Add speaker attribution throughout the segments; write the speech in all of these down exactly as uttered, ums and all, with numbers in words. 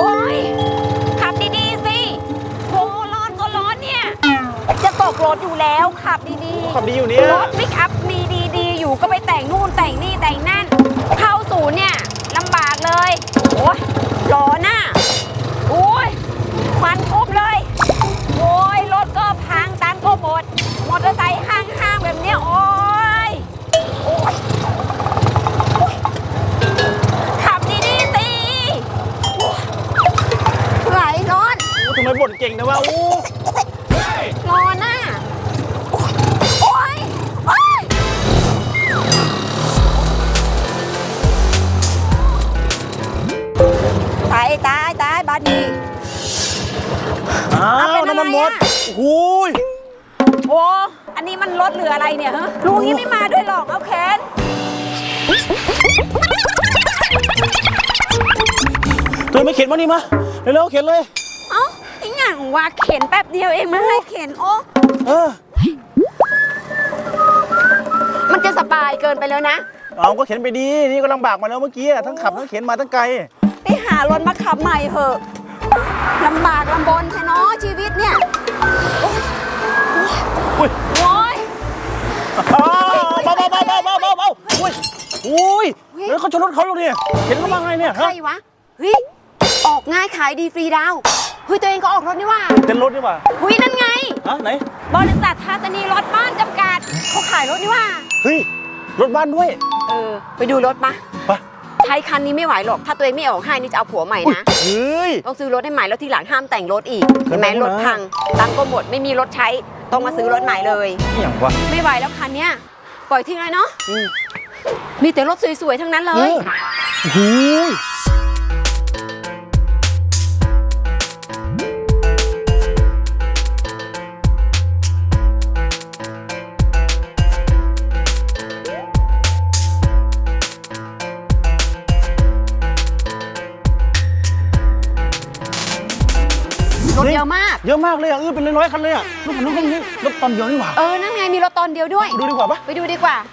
Speaker 1: โอ้ยขับดีๆสิโอ้ร้อนก็ร้อนเนี่ยจะตกรถอยู่แล้วขับดีๆ
Speaker 2: ขับดีอยู่เนี่ย
Speaker 1: รถปิกอัพมีดีๆอยู่ก็ไปแต่งนู่นแต่งนี่แต่งนั่นเข้าศูนย์เนี่ยลำบากเลยโอ้ยร้อนน่ะโอ้ยควันคุบเลยโอ้ยรถก็พังตังก็หมดมอเตอร์ไซค์ห้างๆแบบเนี้ยโอ้ยโอ้ยขับดีๆสิไหลร้อน
Speaker 2: ทำไมบ่นเก่งนะวะโอ้
Speaker 1: ร้อนน่ะโอ้ยโอ้ยตายตายตายบาดี
Speaker 2: อ้าวน้ำมันหมดโอ้ย
Speaker 1: โอ้ อันนี้มันรถหรืออะไรเนี่ยฮะลุงยังไม่มาด้วยหรอกเอาแขน
Speaker 2: ตัวไม่เข็นมานี่มาเร็วๆเข็นเลย
Speaker 1: เอ้าไอ้หงังว่าเข็นแป๊บเดียวเองไม่ให้เข็นโอ้
Speaker 2: เออ
Speaker 1: มันจะสบายเกินไปแล้วนะ
Speaker 2: เอาก็เข็นไปดีนี่ก็ลำบากมาแล้วเมื่อกี้ทั้งขับทั้งเข็นมาทั้งไกล
Speaker 1: ไปหารถมาขับใหม่เถอะลำบากลำบนแค่น้อชีวิตเนี่ย
Speaker 2: อุ้ย
Speaker 1: โอ้ย
Speaker 2: เบาเบาเบาเบาเบาเบาเบาเบาอุ้ยอุ้ยแล้วเขาชนรถเขาอยู่เนี่ยเข็นเขามาไงเนี่ย
Speaker 1: ใครวะเฮ้ยออกง่ายขายดีฟรีดาวเฮ้ยตัวเองก็ออกรถนี่ว่า
Speaker 2: เต้นรถดีกว่า
Speaker 1: เฮ้ยนั่นไง
Speaker 2: ฮะไหน
Speaker 1: บริษัททาตานีรถบ้านจำกัดเขาขายรถนี่ว่า
Speaker 2: เฮ้ยรถบ้านด้วย
Speaker 1: เออไปดูรถมา
Speaker 2: ไป
Speaker 1: ใช้คันนี้ไม่ไหวหรอกถ้าตัวเองไม่ออกให้นี่จะเอาผัวใหม่นะ
Speaker 2: เฮ้ย
Speaker 1: ต้องซื้อรถให้ใหม่แล้วทีหลังห้ามแต่งรถอีกเห็นไหม
Speaker 2: ทำไมนะ
Speaker 1: รถพังตังค์ก็หมดไม่มีรถใช้ต้องมาซื้อรถใหม่เลย
Speaker 2: นี่อย่างวะ
Speaker 1: ไม่ไหวแล้วคันเนี้ยปล่อยทิ้งเลยเนาะ
Speaker 2: อืม
Speaker 1: มีแต่รถสวยๆทั้งนั้นเลย
Speaker 2: โอ้โห
Speaker 1: รถเยอะมาก
Speaker 2: เยอะมากเลยอ่ะเออเป็นร้อยๆคันเลยอ่ะรถคันนู้นคันนี้รถตอนเดียวนี่หว่า
Speaker 1: เออนั่นไงมีรถตอนเดียวด้วย
Speaker 2: ดูดีกว่าปะ
Speaker 1: ไปดูดีกว่า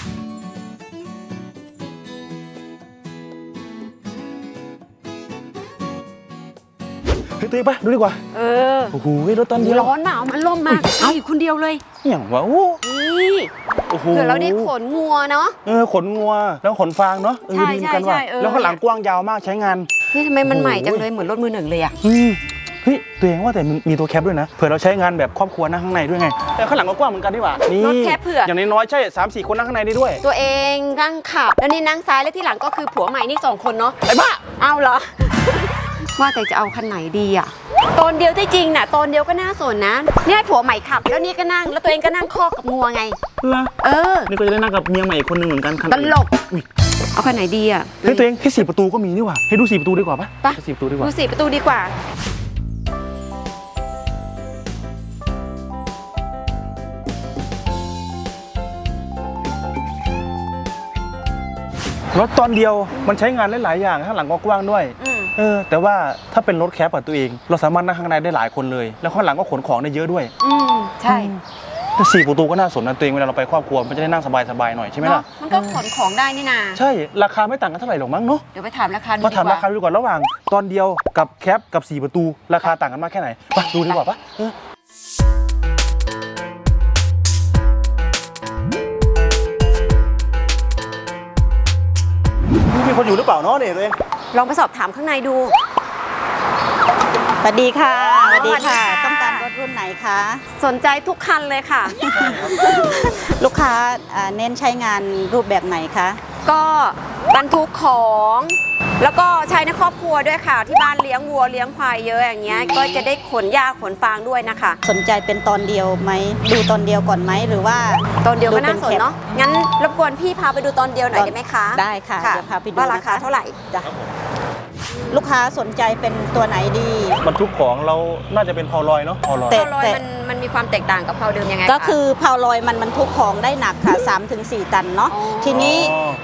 Speaker 2: เฮ้ยตัวเองปะดูดีกว่า
Speaker 1: เออ
Speaker 2: โอ้โหรถตอนเดียว
Speaker 1: ร้อนเปล่ามันลมมากเอาอยู่คนเดียวเลย
Speaker 2: นี่อย่างวะโอ้
Speaker 1: นี่
Speaker 2: โอ้โห
Speaker 1: เผื่อเราได้ขนงัวเนาะ
Speaker 2: เออขนงัวแล้วขนฟางเนาะเออ
Speaker 1: ใช่
Speaker 2: ดีเหมือนกันว่ะ
Speaker 1: ใช่ใช่เออ
Speaker 2: แล้วข้างหลังกว้างยาวมากใช้งาน
Speaker 1: เฮ้ยทำไมมัน
Speaker 2: โอ้โห
Speaker 1: ใหม่จังเลยเหมือนรถมือหนึ่งเลยอะ
Speaker 2: อืมเฮ้ยตัวเองว่าแต่มันมีตัวแคปด้วยนะเผื่อเราใช้งานแบบครอบครัวนั่งข้างในด้วยไงแต่ข้างหลังก็กว้างเหมือนกันดีกว่านี่
Speaker 1: รถแคปเผื่อ
Speaker 2: อย่างน้อยๆใช่สามสี่คนนั่งข้างในได้ด้วย
Speaker 1: ตัวเองนั่งขับแล้วนี่นั่งซ้ายแล้วที่หลังก็คือผัวใหม่นี่สองคนเนาะ
Speaker 2: ไอ้บ้า
Speaker 1: เอาเหรอ ว่าแต่จะเอาคันไหนดีอะตอนเดียวที่จริงน่ะตอนเดียวก็น่าสนนะเนี่ยผัวใหม่ขับแล้วนี่ก็นั่งแล้วตัวเองก็นั่งคอกกับงัวไง
Speaker 2: ล่ะ
Speaker 1: เออ
Speaker 2: นี่ก็จะได้นั่งกับเมียใหม่อีกคนหนึ่งเหมือนกันคัน
Speaker 1: ตลกเอาคันไหนดีอะ
Speaker 2: เฮ้ยตัวเองแค่สี่ประตูก็มีนี่หว่าให้ดูสี่ประตูดีกว่าปะ
Speaker 1: ไป
Speaker 2: แค่สี่ประตูดีกว่า
Speaker 1: ดูสิประตูดีกว่า
Speaker 2: รถตอนเดียวมันใช้งานได้หลายอย่างข้างหลังก็กว้างด้วย
Speaker 1: อืม
Speaker 2: เออแต่ว่าถ้าเป็นรถแคปอะตัวเอง เราสามารถนั่งข้างในได้หลายคนเลย แล้วข้างหลังก็ขนของได้เยอะด้วย
Speaker 1: อืมใช่
Speaker 2: แต่สี่ประตูก็น่าสนนะตัวเองเวลาเราไปครอบครัวมันจะได้นั่งสบายๆหน่อยใช่ไหม
Speaker 1: เนาะ
Speaker 2: ล่ะ
Speaker 1: มันก็ขนของได้นี่นา
Speaker 2: ใช่ราคาไม่ต่างกันเท่าไหร่หรอกมั้งเนาะ
Speaker 1: เดี๋ยวไปถามราคาดู
Speaker 2: มา
Speaker 1: ดี
Speaker 2: ถาม
Speaker 1: ก
Speaker 2: รา
Speaker 1: ว่า
Speaker 2: คาดูก่อนระหว่างตอนเดียวกับแคปกับสี่ประตูราคาต่างกันมากแค่ไหนไปดูดีกว่าปะเออมีคนอยู่หรือเปล่าเนาะเนี่ยตัวเอง
Speaker 1: ลองไปสอบถามข้างในดู
Speaker 3: สวัสดีค่ะ
Speaker 1: สวัสดีค่ะ
Speaker 3: ต้องการรถรุ่นไหนคะ
Speaker 1: สนใจทุกคันเลยค่ะ
Speaker 3: ลูกค้าอ่าเน้นใช้งานรูปแบบไหนคะ
Speaker 1: ก็บรรทุกของ แล้วก็ใช้ในครอบครัวด้วยค่ะ ที่บ้านเลี้ยงวัวเลี้ยงควายเยอะอย่างเงี้ยก็จะได้ขนหญ้าขนฟางด้วยนะคะ
Speaker 3: สนใจเป็นตอนเดียวไหมดูตอนเดียวก่อนไหมหรือว่า
Speaker 1: ตอนเดียวก็น่าสน
Speaker 3: ดูป็แคป
Speaker 1: เนาะงั้นรบกวนพี่พาไปดูตอนเดียวหน่อยได้ไหมคะ
Speaker 3: ได้ค่ะเดี๋ยวพาไปดู
Speaker 1: ว่าราคา
Speaker 3: นะคะ
Speaker 1: เท่าไหร่
Speaker 3: จ้ะลูกค้าสนใจเป็นตัวไหนดี
Speaker 2: บรรทุกของเราน่าจะเป็นพอลอยเนาะพอลอย
Speaker 3: แต่
Speaker 1: เพาลอยมันมันมีความแตกต่างกับเพาเดิมยังไง
Speaker 3: ก็
Speaker 1: คะ
Speaker 3: คือพาวลอยมันบรรทุกของได้หนักค่ะ สามถึงสี่ ตันเนาะ
Speaker 1: อ๋อ
Speaker 3: ทีนี้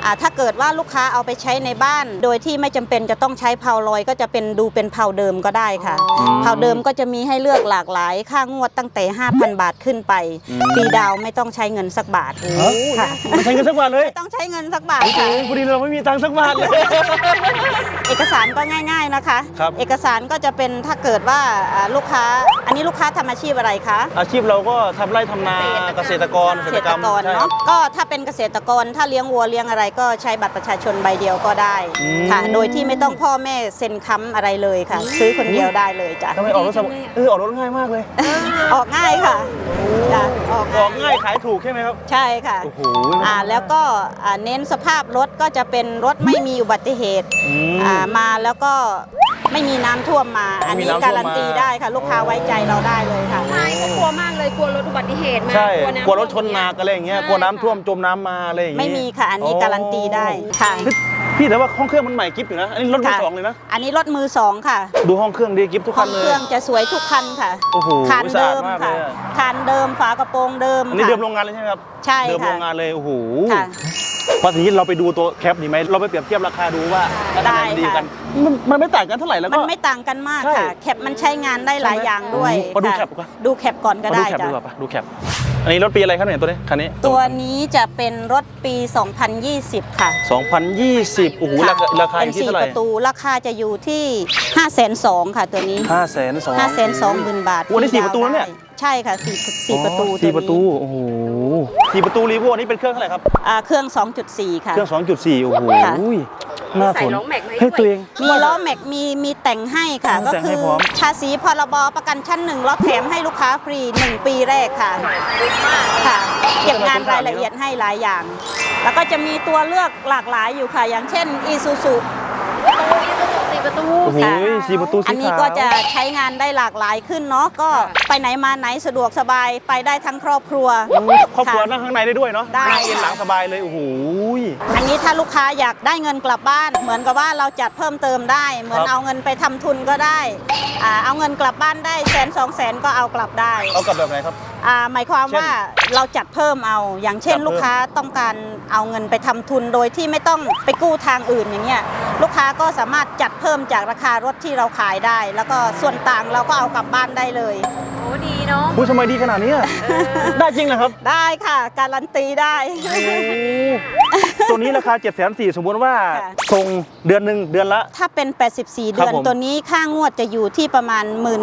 Speaker 3: อ่าถ้าเกิดว่าลูกค้าเอาไปใช้ในบ้าน โดยที่ไม่จำเป็นจะต้องใช้เพาลอยก็จะเป็นดูเป็นเพาเดิมก็ได้ค่ะ
Speaker 1: อ๋อ
Speaker 3: เพาเดิมก็จะมีให้เลือกหลากหลายค่างวดตั้งแต่ ห้าพัน บาทขึ้นไปฟรีดาวน์ไม่ต้องใช้เงินสักบาท
Speaker 2: ฮะ
Speaker 3: ค่ะ
Speaker 2: ไม่ใช้เงินสักบาทเลย
Speaker 3: ไม่ต้องใช้เงินสักบาท
Speaker 2: โอ้โห
Speaker 3: ค่ะ
Speaker 2: พอดีเราไม่มีตังค์สักบาทเลย
Speaker 3: เอกสารก็ง่าย ๆนะคะ
Speaker 2: ครับ
Speaker 3: เอกสารก็จะเป็นถ้าเกิดว่าอ่าลูกค้า อันนี้ลูกค้าทำอาชีพอะไรคะ
Speaker 2: อาชีพเราก็ทำไร่ทำนาเกษตรกร
Speaker 3: เกษตรกร
Speaker 2: ใช่ค
Speaker 3: เนาะ
Speaker 2: บ
Speaker 3: ก็ถ้าเป็นเกษตรกรถ้าเลี้ยงวัวเลี้ยงอะไรก็ใช้บัตรประชาชนใบเดียวก็ได้
Speaker 2: อืม
Speaker 3: ค่ะ โดยที่ไม่ต้องพ่อแม่เซ็นค้ำอะไรเลยค่ะ ซื้อคนเดียวได้เลยจ้ะ
Speaker 2: ทำไมออกรถสบายเออออกรถง่ายมากเลย
Speaker 3: ออกง่ายค่ะจ้ะออก
Speaker 2: ออกง่ายขายถูกใช่ไหมครับ
Speaker 3: ใช่ค่ะ
Speaker 2: โอ้โห
Speaker 3: อ่าแล้วก็อ่าเน้นสภาพรถก็จะเป็นรถไม่มีอุบัติเหตุ
Speaker 2: อืม
Speaker 3: อ่ามาแล้วก็ไม่มีน้ำท่วมมา อันนี้
Speaker 2: ไม่มีน้ำท่วมมา
Speaker 3: การันตีได้ค่ะ ลูกค้าไว้ใจเราได้เลยค่ะ
Speaker 1: ใช่เขากลัวมากเลยกลัวรถอุบัติเหตุมา
Speaker 2: ใช่
Speaker 1: น้ำ
Speaker 2: กลัวรถชนหนักอะไรอย่างเงี้ย
Speaker 1: ใช่
Speaker 2: กลัวน้ำท่วมจมน้ำมาอะไรอย่างงี้
Speaker 3: ไม่มีค่ะ อันนี้การันตีได้ค่ะ
Speaker 2: พี่พี่แต่ว่าห้องเครื่องมันใหม่กิฟต์อยู่นะ อันนี้รถมือ
Speaker 3: ค่ะ
Speaker 2: สองเลยนะ
Speaker 3: อันนี้รถมือสองค่ะ
Speaker 2: ดูห้องเครื่องดีกิฟต์ทุก
Speaker 3: ห้
Speaker 2: คั
Speaker 3: อน ง
Speaker 2: เล
Speaker 3: เค
Speaker 2: ย
Speaker 3: รื่องจะสวยทุกคันค่ะ
Speaker 2: โอ้โห
Speaker 3: คาน
Speaker 2: สะอา
Speaker 3: เดิ
Speaker 2: ด
Speaker 3: ม
Speaker 2: มาก
Speaker 3: ค่ะ
Speaker 2: เลยอะ
Speaker 3: คานเดิมฝากระโปรงเดิม
Speaker 2: อันนี้
Speaker 3: ค่ะ
Speaker 2: เดิมโรงงานเลยใช่ไหมครับ
Speaker 3: ใช่
Speaker 2: เดิม
Speaker 3: ค่ะ
Speaker 2: โรงงานเลย โอ้โห
Speaker 3: ค่ะ
Speaker 2: พอทีนี้เราไปดูตัวแคปดีไหม เราไปเปรียบเทียบราคาดูว่า
Speaker 3: ได้
Speaker 2: อันหนดี
Speaker 3: ค่ะ
Speaker 2: กัน มันมันไม่ต่างกันเท่าไหร่แล้ว
Speaker 3: มั
Speaker 2: ก็
Speaker 3: นไม่ต่างกันมาก
Speaker 2: ใช่
Speaker 3: ค่ะ แคปมันใช้งานได้หลายอย่างด้วย
Speaker 2: มาดู
Speaker 3: ค่ะ
Speaker 2: แคปก่อน
Speaker 3: ดูแคปก่อนก็
Speaker 2: มาดู
Speaker 3: ได้
Speaker 2: แคป
Speaker 3: จ้ะ
Speaker 2: ดีกว่าปะดูแคป อันนี้รถปีอะไรครับเนี่ยตัวนี้ คันนี้
Speaker 3: ตัวนี้จะเป็นรถปี สองพันยี่สิบ ค่ะ
Speaker 2: สองพันยี่สิบโอ้โหราคาราคาอ
Speaker 3: เป็น
Speaker 2: ยู่ที่
Speaker 3: สี่
Speaker 2: เท่าไหร่
Speaker 3: ประตูราคาจะอยู่ที่ ห้าแสนสองหมื่น ค่ะตัวนี้
Speaker 2: ห้าแสนสอง
Speaker 3: ห้าแสนสองหมื่น บาท
Speaker 2: วันนี้สี่ประตูแล้วเนี่ย
Speaker 3: ใช่ค่ะสี่สี่ประตู
Speaker 2: สี่
Speaker 3: วนี้
Speaker 2: ประตู โอ้โหสี่ประตูรีโวนี่เป็นเครื่องเท่าไหร่ครับ
Speaker 3: อ่าเครื่อง สองจุดสี่ ค่ะ
Speaker 2: เครื่อง สองจุดสี่ โอ้โห
Speaker 3: ค่ะ
Speaker 2: น่า
Speaker 1: ใส่
Speaker 2: สน
Speaker 1: ล้อแม็กมาให้
Speaker 2: เฮ้ย
Speaker 1: ด้วย
Speaker 2: ตัวเอง
Speaker 3: มีล้อแม็กมีมีแต่งให้ค่ะ
Speaker 2: มี
Speaker 3: ก็
Speaker 2: แต่ง
Speaker 3: คื
Speaker 2: ให้
Speaker 3: อ
Speaker 2: พร้อม
Speaker 3: ภาษีพรบประกันชั้นหนึ่งรถแถมให้ลูกค้าฟรีหนึ่งปีแรกค่ะค่ะ เก็บงานรายละเอียดให้หลายอย่าง แล้วก็จะมีตัวเลือกหลากหลายอยู่ค่ะ อย่างเช่น Isuzu
Speaker 1: สี่ประตู
Speaker 2: โอ้โห
Speaker 3: ค่ะ
Speaker 2: สี่ประตูสี
Speaker 3: อันนี้
Speaker 2: ขาว
Speaker 3: ก็จะใช้งานได้หลากหลายขึ้นเนาะก็ไปไหนมาไหนสะดวกสบายไปได้ทั้งครอบครัว
Speaker 2: ครอบครัว
Speaker 3: ค่ะ
Speaker 2: นั่งข้างในได้ด้วยเนาะ
Speaker 3: ได้
Speaker 2: นั่งเอ็น
Speaker 3: ค่ะ
Speaker 2: หลังสบายเลย โอ้โห
Speaker 3: อันนี้ถ้าลูกค้าอยากได้เงินกลับบ้าน เหมือนกับว่าเราจัดเพิ่มเติมได้ เหมือน
Speaker 2: ครับ
Speaker 3: เอาเงินไปทำทุนก็ได้อ่าเอาเงินกลับบ้านได้แสนสองแสนก็เอากลับได้
Speaker 2: เอากลับแบบไหนครับ
Speaker 3: อ่าหมายความว่าเราจัดเพิ่มเอา อย่างเช่น
Speaker 2: จัดเพิ่ม
Speaker 3: ลูกค้าต้องการเอาเงินไปทำทุนโดยที่ไม่ต้องไปกู้ทางอื่นอย่างเงี้ยลูกค้าก็สามารถจัดเพิ่มจากราคารถที่เราขายได้ แล้วก็ส่วนต่างเราก็เอากลับบ้านได้เลย
Speaker 1: โอ้ดีเนาะ
Speaker 2: อุ้ยทำไมดีขนาดนี้อะได้จริงเหรอครับ
Speaker 3: ได้ค่ะการันตีได้
Speaker 2: โอ้โหตัวนี้ราคาเจ็ดแสนสี่สมมติว่า
Speaker 3: ค่ะ
Speaker 2: ส่งเดือนหนึ่งเดือนละ
Speaker 3: ถ้าเป็น แปดสิบสี่
Speaker 2: ครับ
Speaker 3: เดือน
Speaker 2: ผม
Speaker 3: ตัวนี้ค่างวดจะอยู่ที่ประมาณ 1 4 0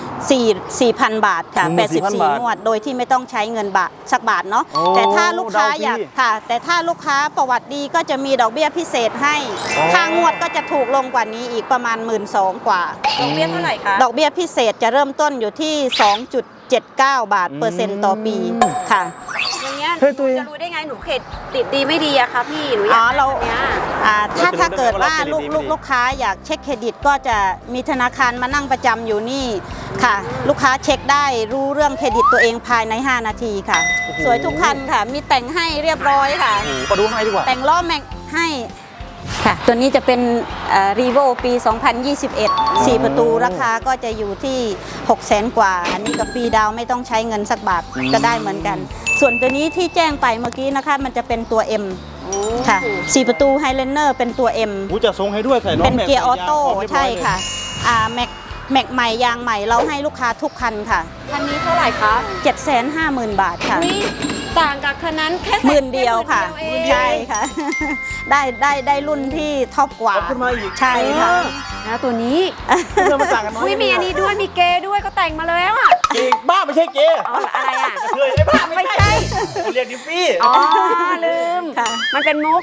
Speaker 3: 0 0 บาทค่ะ
Speaker 2: หนึ่งหมื่นสี่พัน
Speaker 3: แปดสิบสี่
Speaker 2: บาท
Speaker 3: งวด โดยที่ไม่ต้องใช้เงินบาทสักบาทเนาะ
Speaker 2: โอ้
Speaker 3: แต่ถ้าลูกค้า
Speaker 2: ดาวฟรี
Speaker 3: อยากค่ะ แต่ถ้าลูกค้าประวัติดีก็จะมีดอกเบี้ยพิเศษให้
Speaker 2: อ๋อ
Speaker 3: ค่างวดก็จะถูกลงกว่านี้อีกประมาณ หนึ่งหมื่นสองพัน กว่า
Speaker 1: ดอกเบี้ยเท่าไหร่คะ
Speaker 3: ดอกเบี้ยพิเศษจะเริ่มต้นอยู่ที่ สองจุดเจ็ดเก้า บาทเปอร์เซ็นต์ต่อปีค่ะ
Speaker 1: อย่างเงี้ย
Speaker 2: เฮ้ยตัวเอง
Speaker 1: จะรู้ได้ไงหนูเขตติดดีไม่ดีอะคะพี่หนูอยาก
Speaker 3: อ๋อเรา
Speaker 1: ได้แบบเนี้ย
Speaker 3: อ่าถ้า
Speaker 2: เราจะรู้
Speaker 3: ถ้าเกิดว่า
Speaker 2: ได้ไหม
Speaker 3: ลูก
Speaker 2: ว่าเรา
Speaker 3: ลูก
Speaker 2: เครดิตดีไม่ดี
Speaker 3: ลูกค้าอยากเช็คเครดิตก็จะมีธนาคารมานั่งประจำอยู่นี่ค่ะ ลูกค้าเช็คได้รู้เรื่องเครดิตตัวเองภายใน ห้า นาทีค่ะ
Speaker 2: โอ้โห
Speaker 3: สวยทุกคันค่ะ มีแต่งให้เรียบร้อยค่ะ
Speaker 2: โอ้โหมาดูให้ดีกว่า
Speaker 3: แต่งล้อแม็กให้ค่ะ ตัวนี้จะเป็นรีโวปี สองพันยี่สิบเอ็ด สี่ประตูราคาก็จะอยู่ที่ หกแสน กว่า อันนี้กับฟรีดาวน์ไม่ต้องใช้เงินสักบาท
Speaker 2: อืม
Speaker 3: ก็ได้เหมือนกัน ส่วนตัวนี้ที่แจ้งไปเมื่อกี้นะคะ มันจะเป็นตัว M ค่ะ สี่ประตูไฮเลนเนอร์เป็นตัว M
Speaker 2: หูจะทรงให้ด้วยใส่ล้อ
Speaker 3: เป็น
Speaker 2: แม็ก
Speaker 3: เกียร์ออโต้
Speaker 2: ใส่ยางพร้อมเรียบร้
Speaker 3: ใช่
Speaker 2: อยเลย
Speaker 3: ค่ะอ่าแม็กแม็กใหม่ยางใหม่เราให้ลูกค้าทุกคันค่ะ
Speaker 1: คันนี้เท่าไหร่คะ
Speaker 3: เจ็ดแสนห้าหมื่น บาทค่ะ
Speaker 1: นี่ต่างกับคันนั้นแค่
Speaker 3: หมื่นเดียวค่ะ
Speaker 1: หมื่นเดียวเอง
Speaker 3: ใช่ค่ะ ได้ได้ได้รุ่นที่ท็อปกว่า
Speaker 2: เอาขึ้นมาอีก
Speaker 3: ใช่ค่ะ
Speaker 1: แล้วตัวนี้
Speaker 2: เพื่อมาต่างกันน้อย
Speaker 1: อุ้ยมีอันนี้ด้วยมีเกย์ด้วยก็แต่งมาแล้วอะ
Speaker 2: เกย์บ้าไม่ใช่เกย์
Speaker 1: อ๋ออะไรอะ
Speaker 2: เคยไอ้บ้า
Speaker 1: ไม่ใช่
Speaker 2: เขาเรียกดิฟฟี่
Speaker 1: อ๋อลืม
Speaker 3: ค่ะ
Speaker 1: มันเป็นมุก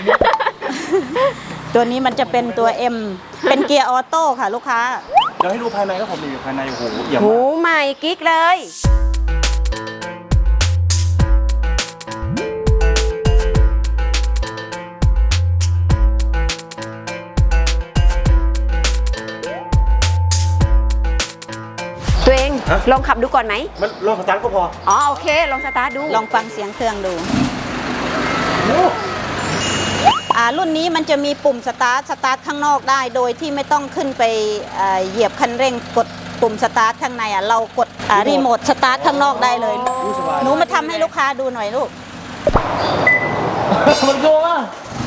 Speaker 3: ตัวนี้มันจะเป็นตัว M เป็นเกียร์ออโต้ค่ะลูกค้า
Speaker 2: เดี๋ยวให้ดูภายในครับผมนี่อยู่ภายในโอ้โหเยี่ยม
Speaker 1: หู
Speaker 2: มาก
Speaker 1: ใหม่กิ๊กเลย ตัวเองลองขับดูก่อนไหม
Speaker 2: มันลองสตาร์ทก็พอ
Speaker 1: อ๋อโอเค ลองสตาร์ทดู
Speaker 3: ลองฟังเสียงเครื่องดู
Speaker 2: โอ้
Speaker 3: อ่ารุ่นนี้มันจะมีปุ่มสตาร์ทสตาร์ทข้างนอกได้ โดยที่ไม่ต้องขึ้นไปเอ่อเหยียบคันเร่งกดปุ่มสตาร์ทข้างในอ่ะเรากดอ่ารีโมทสตาร์ทข้างนอกได้เลย
Speaker 2: ยสบาย
Speaker 3: หนูมาทำให้ลูกค้าดูหน่อยลูก
Speaker 2: มันโกงอ่ะ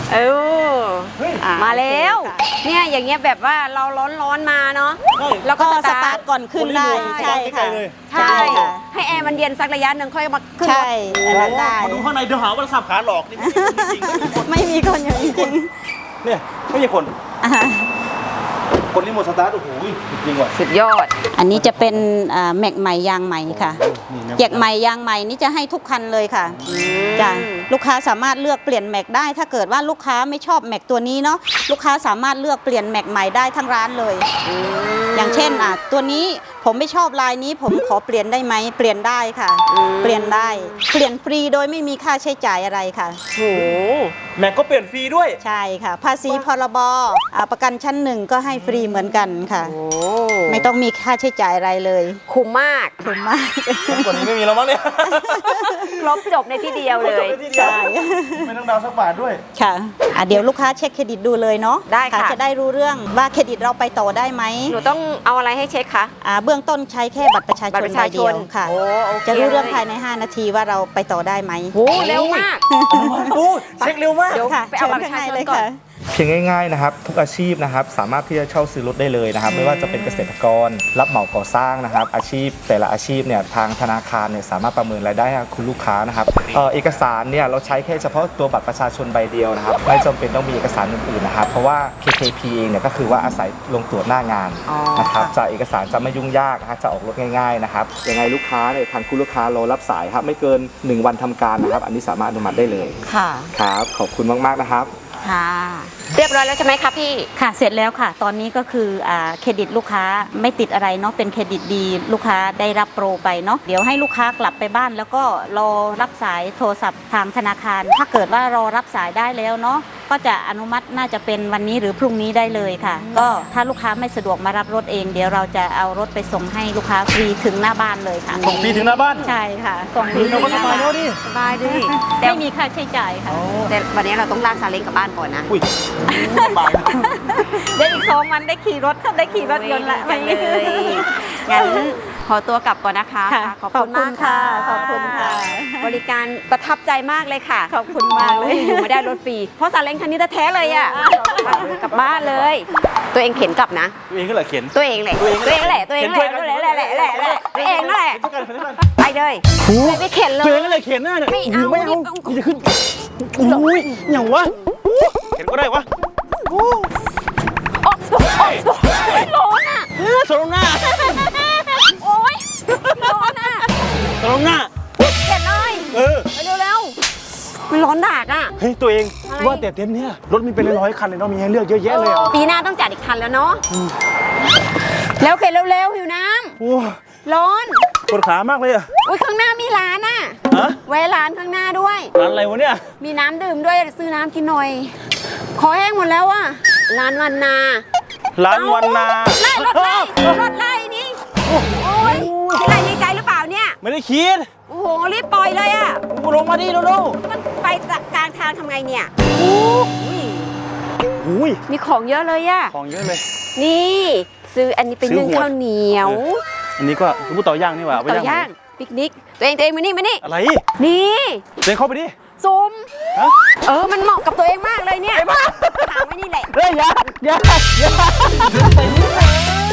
Speaker 1: เออ
Speaker 2: เฮ้ย
Speaker 3: อ่ะ
Speaker 1: มาแล้ว
Speaker 3: โอเคค่ะ
Speaker 1: เนี่ยอย่างเงี้ยแบบว่าเราร้อนๆมาเนาะ
Speaker 2: ใช่
Speaker 1: แล้วก็
Speaker 3: ก็
Speaker 1: ส
Speaker 3: ส
Speaker 1: ตา
Speaker 3: ตา
Speaker 1: ร์
Speaker 3: ร์
Speaker 1: ท
Speaker 3: ทก่อนขึ้นได้
Speaker 2: คนรีโมท
Speaker 3: ใช่
Speaker 2: ใกล้
Speaker 3: ค่ะ
Speaker 2: ๆเลย
Speaker 1: ใช่
Speaker 3: ค่ะ
Speaker 1: ให้แอร์มันเย็นสักระยะหนึ่งค่อยมาขึ้นร
Speaker 3: ใช่
Speaker 1: ถ
Speaker 3: อันนั้นได้
Speaker 2: มาดูข้างในเดี๋ยวหาว่าสับขาหลอกนี่ไม่มีคนจริงๆไม่มีคน
Speaker 3: ไม่มีคนอย่างจริง
Speaker 2: เนี่ยไม่มีคน
Speaker 3: ๆอ่า
Speaker 2: คนรีโมทสตาร์ทโอ้โหจริงว่ะ
Speaker 1: สุดยอด
Speaker 3: อันนี้จะเป็นอ่าแม็กใหม่ยางใหม่ค่ะ
Speaker 2: นี่นะ
Speaker 3: เกียกใหม่ยางใหม่นี่จะให้ทุกคันเลยค่ะจ้ะลูกค้าสามารถเลือกเปลี่ยนแม็กได้ ถ้าเกิดว่าลูกค้าไม่ชอบแม็กตัวนี้เนาะลูกค้าสามารถเลือกเปลี่ยนแม็กใหม่ได้ทั้งร้านเลย อย่างเช่นอ่ะตัวนี้ผมไม่ชอบลายนี้ผมขอเปลี่ยนได้ไหมเปลี่ยนได้ค่ะ
Speaker 1: อืม
Speaker 3: เปลี่ยนได้เปลี่ยนฟรีโดยไม่มีค่าใช้จ่ายอะไรค่ะ
Speaker 1: โห
Speaker 2: แม็กก็เปลี่ยนฟรีด้วย
Speaker 3: ใช่ค่ะ ภาษีพรบอ่าประกันชั้นหนึ่งก็ให้ฟรีเหมือนกันค่ะ
Speaker 1: โอ้
Speaker 3: ไม่ต้องมีค่าใช้จ่ายอะไรเลย
Speaker 1: คุ้มมาก
Speaker 3: ถูกมาก
Speaker 2: กว่านี้ไม่มีแล้วมั้งเนี่ย
Speaker 1: ครบจบในที่เดียวเลย
Speaker 2: ใช่ไม่ต้องดาวสักบาทด้วย
Speaker 3: ค่ะอ่ะเดี๋ยวลูกค้าเช็คเครดิตดูเลยเนาะ
Speaker 1: ได้ค่ะ
Speaker 3: จะได้รู้เรื่องว่าเครดิตเราไปต่อได้ไหม
Speaker 1: หนูต้องเอาอะไรให้เช็คคะ
Speaker 3: อ่าเบื้องต้นใช้แค่บัตรประชาช
Speaker 1: บัตร
Speaker 3: น
Speaker 1: ประ
Speaker 3: ใบ
Speaker 1: ชาช
Speaker 3: เดีย
Speaker 1: น
Speaker 3: วค่ะ
Speaker 1: โอ้โอเค
Speaker 3: จะรู้เรื่อง
Speaker 1: ลย
Speaker 3: ภายใน ห้า นาทีว่าเราไปต่อได้ไหม
Speaker 1: โหเร็วมาก
Speaker 2: โอ้เช็คเร็วมาก
Speaker 1: เดี๋ยว
Speaker 3: ค่ะ
Speaker 1: ไปเอาบัตรประชาชนก่อน
Speaker 4: เพียงง่ายๆนะครับทุกอาชีพนะครับสามารถที่จะเช่าซื้อรถได้เลยนะครับไม่ว่าจะเป็นเกษตรกรรับเหมาก่อสร้างนะครับอาชีพแต่ละอาชีพเนี่ยทางธนาคารเนี่ยสามารถประเมินรายได้ให้คุณลูกค้านะครับเอ่อเอกสารเนี่ยเราใช้แค่เฉพาะตัวบัตรประชาชนใบเดียวนะครับไม่จำเป็นต้องมีเอกสารอื่นๆนะครับเพราะว่า เค เค พี เองเนี่ยก็คือว่าอาศัยลงตรวจหน้างาน
Speaker 1: อ๋อ
Speaker 4: นะครับ
Speaker 1: ค่ะ
Speaker 4: จะเอกสารจะไม่ยุ่งยากนะฮะจะออกรถง่ายๆนะครับยังไงลูกค้าเนี่ยทางคุณลูกค้ารอรับสายครับไม่เกินหนึ่งวันทำการนะครับอันนี้สามารถอนุมัติได้เลย
Speaker 1: ค่ะ
Speaker 4: ครับขอบคุณมากๆนะครับ
Speaker 1: ค่ะ เรียบร้อยแล้วใช่ไหมคะพี่
Speaker 3: ค่ะเสร็จแล้วค่ะ ตอนนี้ก็คืออ่าเครดิตลูกค้าไม่ติดอะไรเนาะเป็นเครดิตดีลูกค้าได้รับโปรไปเนาะเดี๋ยวให้ลูกค้ากลับไปบ้าน แล้วก็รอรับสายโทรศัพท์ทางธนาคาร ถ้าเกิดว่ารอรับสายได้แล้วเนาะก็จะอนุมัติน่าจะเป็นวันนี้หรือพรุ่งนี้ได้เลยค่ะ ก็ถ้าลูกค้าไม่สะดวกมารับรถเอง เดี๋ยวเราจะเอารถไปส่งให้ลูกค้าฟรีถึงหน้าบ้านเลยค่ะ
Speaker 2: ส่งฟรีถึงหน้าบ้าน
Speaker 3: ใช่ค่ะส่งฟรี
Speaker 2: เราก็สบายแล้วดิ
Speaker 1: สบายดิแต่
Speaker 3: ไม่มีค่าใช้จ่ายค่ะ
Speaker 1: แต่วันนี้เราต้องลากซาเล้งกลับบ้านก่อนนะ
Speaker 2: อุ้ยลำบากนะ
Speaker 3: เดี๋ยวอีกสองวันได้ขี่รถได้ขี่รถยนต์ละ
Speaker 1: โอ้ยดีจังเลยงั้นขอตัวกลับก่อนนะคะ
Speaker 3: ค่ะ
Speaker 1: ขอบคุณมากค่ะ
Speaker 3: ขอบคุณค่ะ
Speaker 1: บริการประทับใจมากเลยค่ะ
Speaker 3: ขอบคุณมากเลย
Speaker 1: อยู่ไม่ได้รถฟรีเพราะซาเล้งคันนี้แท้ๆเลยอ่ะกลับบ้านเลย ตัวเองเข็นกลับนะ
Speaker 2: ตัวเองก็แหละเข็น
Speaker 1: ตัวเองแหละตัวเองแหละตัวเองแหละตัวเองแหละแหละแหละแหละตัวเองนั่นแหละ
Speaker 2: เข็นด้วยกันเข็นด้วยกัน
Speaker 1: ไปเลยไม่ไปเข็นเล
Speaker 2: ตัวย เองก็เลยเข็นหน้าเนี่ย
Speaker 1: ไม่เอา
Speaker 2: ไม่เอา
Speaker 1: ไม่เอา
Speaker 2: กูจะขึ้นอุ้ยอย่างวะเข็นก็ได้วะโอ้
Speaker 1: โอ๊ยโอ๊ยโอ๊ยร้อนอ่ะ
Speaker 2: เออสลงหน้า
Speaker 1: โอ๊ยร้อนอ่ะ
Speaker 2: สลงหน้า
Speaker 1: เข็นเลย
Speaker 2: เออ
Speaker 1: ไปเร็วๆมันร้อนดากอ่ะ
Speaker 2: เฮ้ยตัวเอง
Speaker 1: อะไร
Speaker 2: ว่าแต่เต็นท์เนี่ยรถมีเป็นร้อยๆคันเลยเนาะมีให้เลือกเยอะแยะเลยอ่ะ
Speaker 1: ปีหน้าต้องจัดอีกคันแล้วเนาะแล้วเข็นเร็วๆหิวน้
Speaker 2: โอ้
Speaker 1: ำร้อน
Speaker 2: ปวดขามากเลยอ่ะ
Speaker 1: อุ้ยข้างหน้ามีร้านอ่ะ
Speaker 2: ฮะ
Speaker 1: ไว้ร้านข้างหน้าด้วย
Speaker 2: ร้านอะไรวะเนี่ย
Speaker 1: มีน้ำดื่มด้วยซื้อน้ำกินหน่อย ขอแห้งหมดแล้วอ่ะร้านวันนา
Speaker 2: ร้านวันนา
Speaker 1: ไล่รถไล่รถไล่นี่โอ้ยคิดอะไรในใจหรือเปล่าเนี่ย
Speaker 2: ไม่ได้คิด
Speaker 1: โอ้โหรีบปล่อยเลยอ่ะ
Speaker 2: กูลงมาดิเร็ว
Speaker 1: มันไปกลางทางทำไงเนี่ยอุ้ย
Speaker 2: ๆอุ้ย
Speaker 1: มีของเยอะเลยอ่ะ
Speaker 2: ของเยอะเลย
Speaker 1: นี่ ซื้ออันนี้เป็น
Speaker 2: ซื้อ
Speaker 1: นึ่ง
Speaker 2: หัว
Speaker 1: ข้าวเหนียว
Speaker 2: อันนี้ก็ลูกเต่าย่างนี่หว่าเไป
Speaker 1: เต่าย่างปิกนิก ตัวเองตัวเองมานี่มานี่
Speaker 2: อะไร
Speaker 1: นี่
Speaker 2: เดินเข้าไปดิ
Speaker 1: ซุ้ม
Speaker 2: ฮะ
Speaker 1: เออมันเหมาะกับตัวเองมากเลยเนี่ยถามไว้นี่แหละ
Speaker 2: เฮ้ยอย่าอย่าอย่า